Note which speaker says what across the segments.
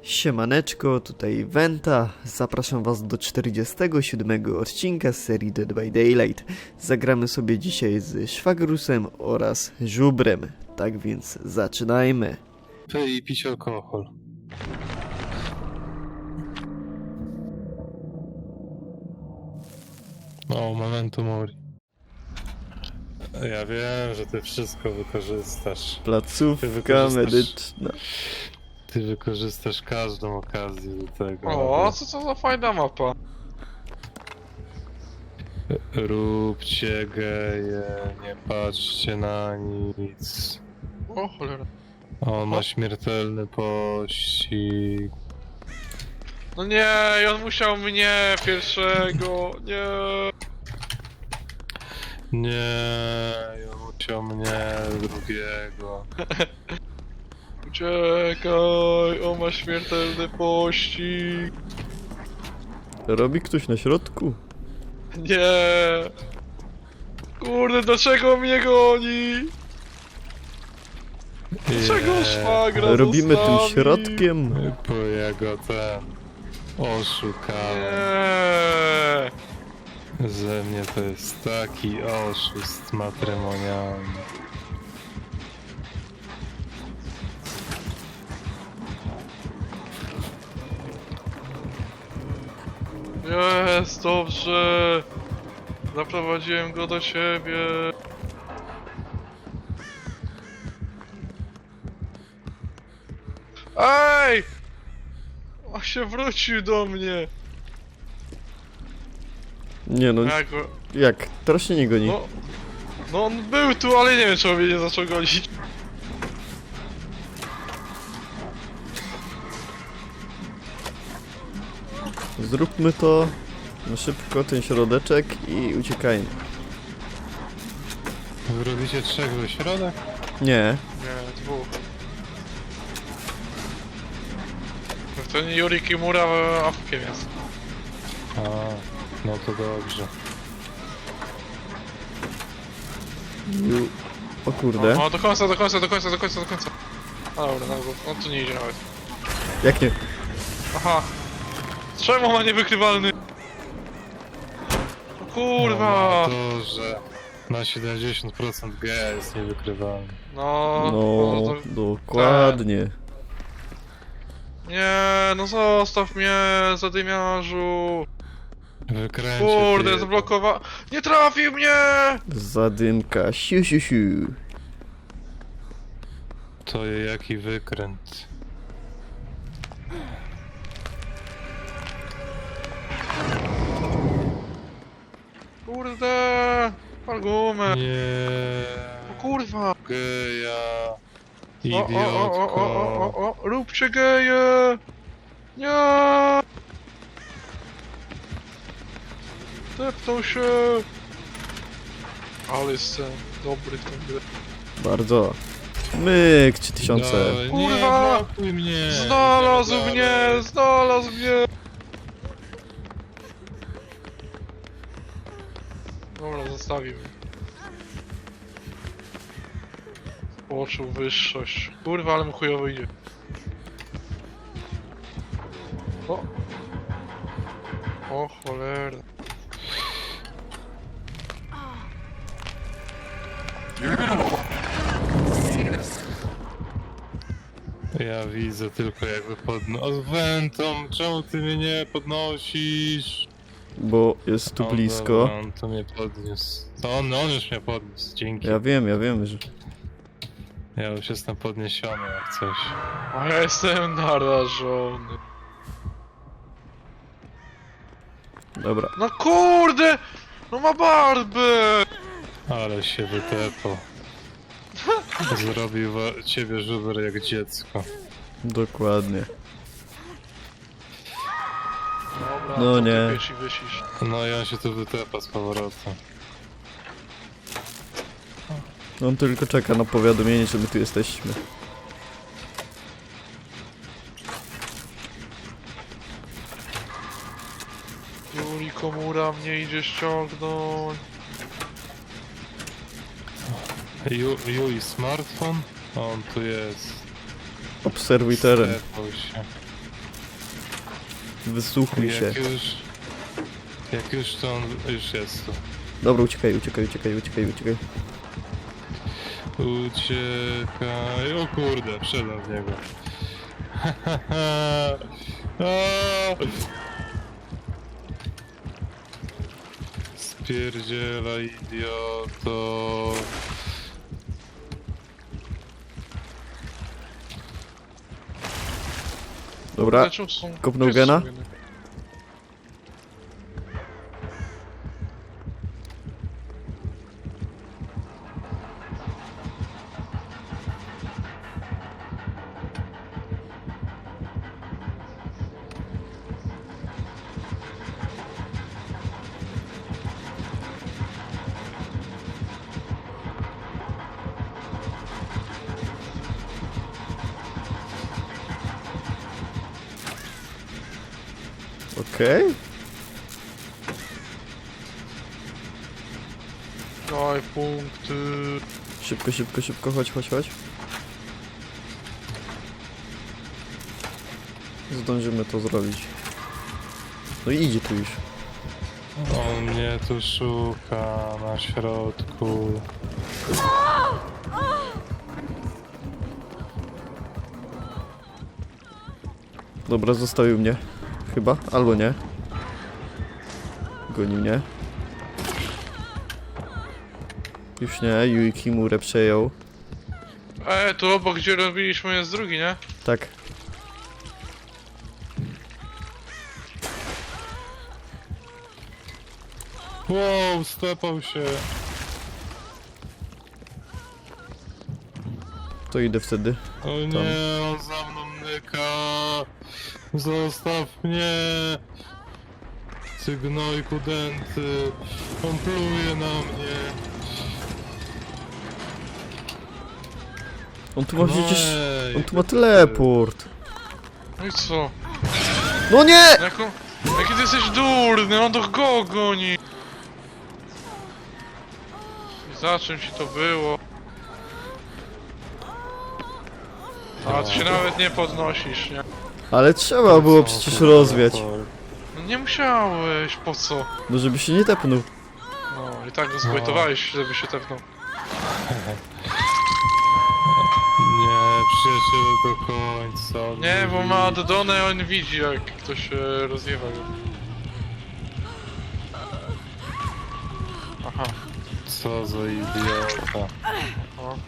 Speaker 1: Siemaneczko, tutaj Wenta. Zapraszam was do 47 odcinka z serii Dead by Daylight. Zagramy sobie dzisiaj z Szwagrusem oraz Żubrem. Tak więc zaczynajmy.
Speaker 2: I pić alkohol. O, memento mori. Ja wiem, że ty wszystko wykorzystasz.
Speaker 1: Placówka medyczna.
Speaker 2: Ty wykorzystasz każdą okazję do tego.
Speaker 3: O, co to za fajna mapa?
Speaker 2: Róbcie geje, nie patrzcie na nic.
Speaker 3: O cholera.
Speaker 2: On ma śmiertelny pościg.
Speaker 3: No nie, i on musiał mnie pierwszego, nie.
Speaker 2: Nie, ja musiał mnie drugiego.
Speaker 3: Uciekaj, on ma śmiertelny pościg.
Speaker 1: Robi ktoś na środku?
Speaker 3: Nie. Kurde, dlaczego mnie goni? Dlaczego szwagra
Speaker 1: Robimy tym
Speaker 3: zostawił?
Speaker 1: środkiem.
Speaker 2: Bo ja go ten oszukałem.
Speaker 3: Nie.
Speaker 2: Ze mnie to jest taki oszust matrymonialny.
Speaker 3: Jest, dobrze. Zaprowadziłem go do siebie. Ej! On się wrócił do mnie.
Speaker 1: Nie no,
Speaker 3: Ja go...
Speaker 1: jak? Teraz się nie goni.
Speaker 3: No on był tu, ale nie wiem, czy on mnie nie zaczął gonić.
Speaker 1: Zróbmy to na szybko, ten środeczek i uciekajmy.
Speaker 2: Wy robicie trzech we środek?
Speaker 1: Nie.
Speaker 3: Nie, dwóch. To nie Yuri Kimura awkiem jest.
Speaker 2: A, no to dobrze.
Speaker 1: O kurde.
Speaker 3: No do końca, do końca, do końca, do końca, do końca. A, dobra, no tu nie idzie nawet.
Speaker 1: Jak nie?
Speaker 3: Aha. Czemu ma niewykrywalny? O kurwa!
Speaker 2: No, to, że na 70% G jest niewykrywalny.
Speaker 3: No,
Speaker 1: No,
Speaker 3: to...
Speaker 1: dokładnie.
Speaker 3: Nie, no zostaw mnie, zadymiarzu.
Speaker 2: Wykręcie
Speaker 3: Kurde,
Speaker 2: ty
Speaker 3: zablokowa... Nie trafił mnie!
Speaker 1: Zadymka, siu siu siu.
Speaker 2: To jaki wykręt.
Speaker 3: Kurde! Argument.
Speaker 2: Nie.
Speaker 3: O kurwa!
Speaker 2: Geja.
Speaker 3: O, o,
Speaker 2: Idiotko.
Speaker 3: róbcie geje! Nie! Tepnął się! Ale jestem dobry w tym grę.
Speaker 1: Bardzo. Myk, 3000.
Speaker 2: Dawaj,
Speaker 3: Kurwa!
Speaker 2: Nie blokuj mnie.
Speaker 3: Znalazł
Speaker 2: Nie
Speaker 3: mnie!
Speaker 2: dalej.
Speaker 3: Znalazł mnie! Dobra, zostawił mnie. Poczuł wyższość. Kurwa, ale mu chujowo idzie. O! O cholera.
Speaker 2: Ja widzę tylko jakby Wentą, czemu ty mnie nie podnosisz?
Speaker 1: Bo jest tu
Speaker 2: O,
Speaker 1: blisko.
Speaker 2: dobra, on to mnie podniósł. To on już mnie podniósł, dzięki.
Speaker 1: Ja wiem, że...
Speaker 2: Ja już jestem podniesiony jak coś.
Speaker 3: A ja jestem narażony.
Speaker 1: Dobra.
Speaker 3: No kurde! No ma barbę!
Speaker 2: Ale się wytepał. Zrobił ciebie żuber jak dziecko.
Speaker 1: Dokładnie.
Speaker 3: Dobra,
Speaker 1: No
Speaker 3: to
Speaker 1: nie.
Speaker 3: ty wiesz i wysisz.
Speaker 2: No i on się tu wytepa z powrotem.
Speaker 1: On tylko czeka na powiadomienie, że my tu jesteśmy.
Speaker 3: Yuri Komura mnie idzie ściągnąć.
Speaker 2: Yui smartfon? On tu jest.
Speaker 1: Obserwuj teren.
Speaker 2: Stepnął się.
Speaker 1: Wysłuchuj się.
Speaker 2: Jak już to on już jest tu.
Speaker 1: Dobra, uciekaj, uciekaj, uciekaj, uciekaj, uciekaj.
Speaker 2: Uciekaj. O kurde, wszedłem w niego. Spierdziela, idioto.
Speaker 1: Dobra,
Speaker 3: Dlaczego są...
Speaker 1: kopnął
Speaker 3: gdzie są
Speaker 1: gena?
Speaker 3: geny?
Speaker 1: okej.
Speaker 3: Daj punkty.
Speaker 1: Szybko, szybko, szybko, chodź, chodź, chodź. Zdążymy to zrobić. No i idzie tu już.
Speaker 2: On mnie tu szuka na środku.
Speaker 1: Dobra, zostawił mnie. Chyba, albo nie. Goni mnie. Już nie, Yui Kimurę przejął.
Speaker 3: Tu obok gdzie robiliśmy jest drugi, nie?
Speaker 1: Tak.
Speaker 2: Wow, stepał się.
Speaker 1: To idę wtedy.
Speaker 2: O nie, on za mną nyka. Zostaw mnie. Ty gnojku dęty. On pluje na mnie.
Speaker 1: On tu ma przecież...
Speaker 2: Ej,
Speaker 1: On tu ma teleport.
Speaker 3: No i co?
Speaker 1: No nie!
Speaker 3: Jaki ty jesteś durny, on to go goni. I za czym ci to było? A ty się nawet nie podnosisz, nie?
Speaker 1: Ale trzeba było przecież rozwiać.
Speaker 3: No nie musiałeś, po co?
Speaker 1: No żeby się nie tepnął.
Speaker 3: No i tak go zbojtowałeś, żeby się tepnął.
Speaker 2: Nie, przyjaciele do końca. on
Speaker 3: Nie, bo
Speaker 2: mówi.
Speaker 3: ma Dodonę, on widzi jak ktoś rozwiewa go. Aha.
Speaker 2: Co za idiota.
Speaker 3: O.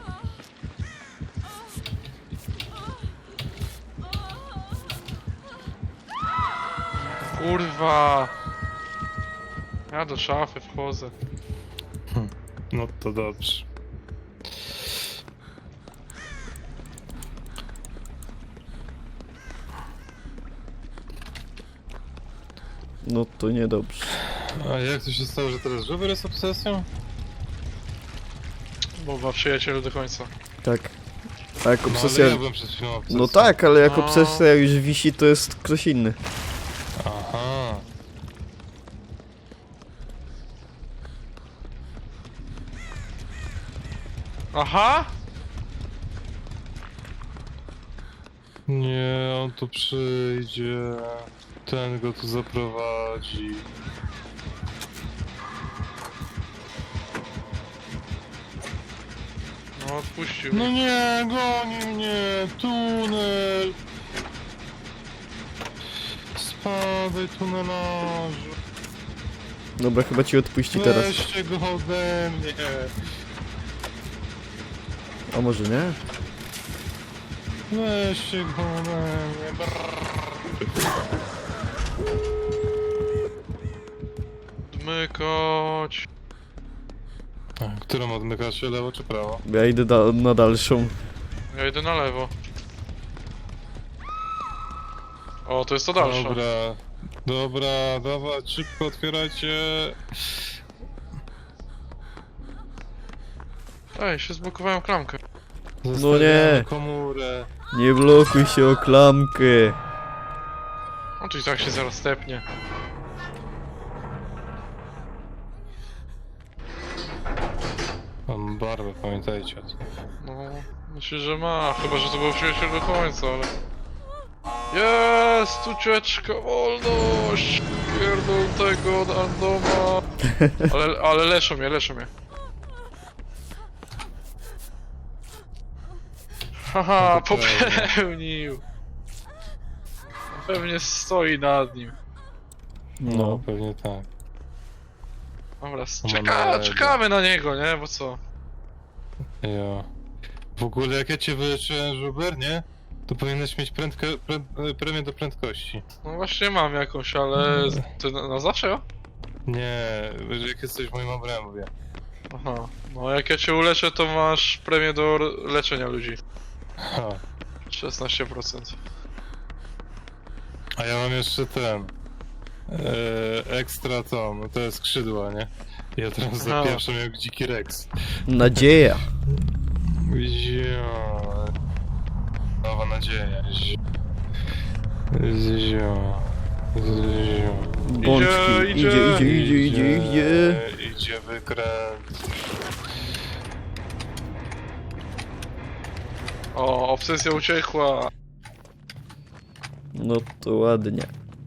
Speaker 3: Kurwa! Ja do szafy wchodzę.
Speaker 2: No to dobrze.
Speaker 1: No to niedobrze.
Speaker 2: A jak to się stało, że teraz żuber jest obsesją?
Speaker 3: Bo ma przyjacielu do końca.
Speaker 1: Tak. A jak
Speaker 2: No
Speaker 1: obsesja...
Speaker 2: ale ja byłem przed chwilą obsesją.
Speaker 1: No tak, ale jak
Speaker 3: No.
Speaker 1: obsesja już wisi, to jest ktoś inny.
Speaker 2: Aha.
Speaker 3: Aha!
Speaker 2: Nie, on tu przyjdzie. Ten go tu zaprowadzi.
Speaker 3: No odpuścił.
Speaker 2: No nie, goni mnie! Tunel! Spadaj, tunelarzu!
Speaker 1: Dobra, chyba ci odpuści teraz.
Speaker 2: Weźcie go ode mnie!
Speaker 1: A może nie?
Speaker 2: Weźcie go ode mnie! Brrr.
Speaker 3: Odmykać.
Speaker 2: Którą odmykacie, lewo czy prawo?
Speaker 1: Ja idę na dalszą.
Speaker 3: Ja idę na lewo. O, to jest to dalsze.
Speaker 2: Dobra, dobra, dawać, szybko otwierajcie.
Speaker 3: Ej, się zblokowałem klamkę.
Speaker 2: Zostawiamy komórę.
Speaker 1: Nie blokuj się o klamkę.
Speaker 3: No to i tak się zaraz stepnie.
Speaker 2: Mam barwę, pamiętajcie o tym.
Speaker 3: No, myślę, że ma. Chyba, że to był przyjaciel do końca, ale... Jest! Ucieczka, wolność! Pierdol tego randoma! Ale leczą mnie, leczą mnie. Haha,
Speaker 2: No to
Speaker 3: popełnił! Pewnie stoi nad nim.
Speaker 2: No, pewnie tak.
Speaker 3: Dobra,
Speaker 2: Emanuele.
Speaker 3: czekamy na niego, nie? Bo co?
Speaker 2: Ja. W ogóle jak ja cię wyleczyłem, Żuber, nie? To powinieneś mieć premię do prędkości.
Speaker 3: No właśnie mam jakąś, ale... To na zawsze, ja?
Speaker 2: Nie, jak jesteś w moim obrębie.
Speaker 3: Aha. No jak ja cię uleczę, to masz premię do leczenia ludzi.
Speaker 2: Ha.
Speaker 3: 16%.
Speaker 2: A ja mam jeszcze ten... ekstra to, no to jest skrzydła, nie? Ja teraz
Speaker 3: Aha.
Speaker 2: zapieprzam jak dziki Rex.
Speaker 1: Nadzieja.
Speaker 2: Zio. Nowa nadzieja. Zio.
Speaker 1: Bączki. Idzie.
Speaker 2: Idzie wykręt.
Speaker 3: O, obsesja uciekła.
Speaker 1: No to ładnie.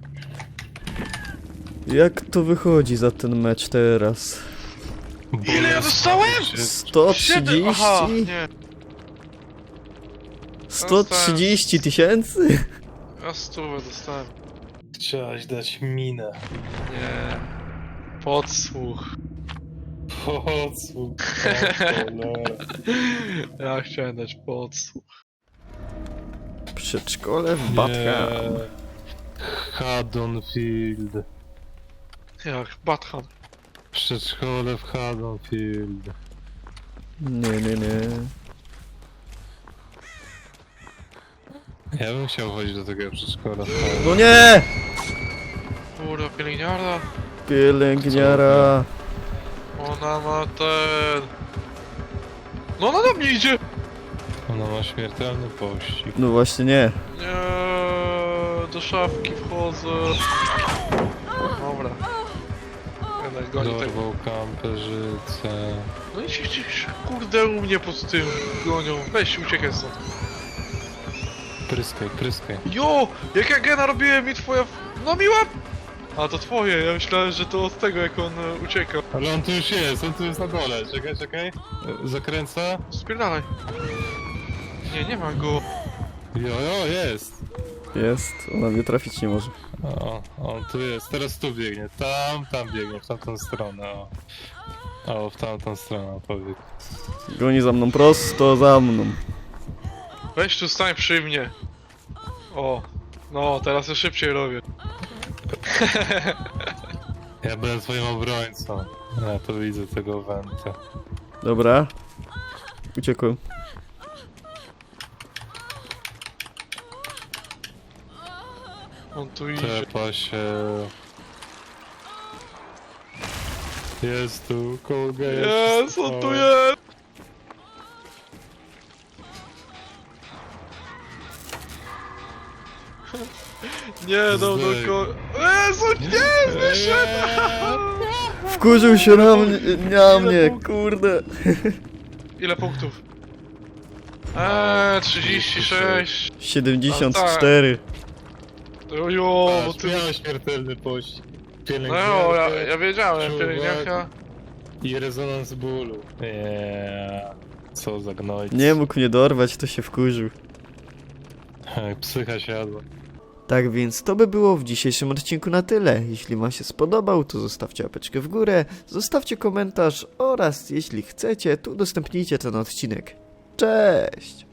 Speaker 1: Jak to wychodzi za ten mecz teraz?
Speaker 3: Ile ja dostałem?
Speaker 1: 130?
Speaker 3: Aha, nie.
Speaker 1: 130 tysięcy?
Speaker 3: Ja 100 dostałem.
Speaker 2: Chciałaś dać minę.
Speaker 3: Nie. Podsłuch.
Speaker 2: Podsłuch.
Speaker 3: Ja chciałem dać podsłuch.
Speaker 1: Przedszkole w Batham.
Speaker 2: Haddonfield.
Speaker 3: Jak Batman.
Speaker 2: Przedszkole w Haddonfield.
Speaker 1: Nie.
Speaker 2: Ja bym chciał chodzić do takiego przedszkola.
Speaker 1: No nie!
Speaker 3: Kurwa, pielęgniarza.
Speaker 1: Pielęgniara.
Speaker 3: Ona ma ten... No ona do mnie idzie!
Speaker 2: Ona ma śmiertelny pościg.
Speaker 1: No właśnie nie.
Speaker 3: Nie, do szafki wchodzę. Dobra. Jednak goni tego.
Speaker 2: Dorwał kamperzycę.
Speaker 3: No i się kurde u mnie pod tym gonią. Weź, uciekaj stąd.
Speaker 2: Pryskaj.
Speaker 3: Jo! Jak ja gena robiłem i twoja... No mi łap! A to twoje, ja myślałem, że to od tego jak on ucieka.
Speaker 2: Ale on tu już jest, on tu jest na dole. Czekaj. Zakręca.
Speaker 3: Spierdalaj. Nie ma go.
Speaker 2: Jo, jest.
Speaker 1: Jest, ona mnie trafić nie może.
Speaker 2: O, on tu jest, teraz tu biegnie. Tam biegnie, w tamtą stronę. O, w tamtą stronę powiedz.
Speaker 1: Goni za mną, prosto za mną.
Speaker 3: Weź tu stań przy mnie. O. No, teraz ja szybciej robię.
Speaker 2: Ja byłem twoim obrońcą. Ja to widzę tego wenta.
Speaker 1: Dobra. Uciekłem.
Speaker 3: On tu idzie.
Speaker 2: Tepa się. Jest tu, kołga
Speaker 3: Jest, on tu jest! Nie, no
Speaker 2: Zdech.
Speaker 3: go... Jezu, nie, wyszedł!
Speaker 1: Wkurzył się na mnie, kurde.
Speaker 3: Ile punktów? 36.
Speaker 1: 74.
Speaker 3: Ojo, bo
Speaker 2: Aż
Speaker 3: ty...
Speaker 2: miał śmiertelny pościg.
Speaker 3: No, ja wiedziałem,
Speaker 2: czuwak
Speaker 3: pielęgniarka.
Speaker 2: I rezonans bólu. Co za gnojc.
Speaker 1: Nie mógł mnie dorwać, to się wkurzył.
Speaker 2: Psycha siadła.
Speaker 1: Tak więc to by było w dzisiejszym odcinku na tyle. Jeśli wam się spodobał, to zostawcie łapeczkę w górę, zostawcie komentarz oraz jeśli chcecie, to udostępnijcie ten odcinek. Cześć!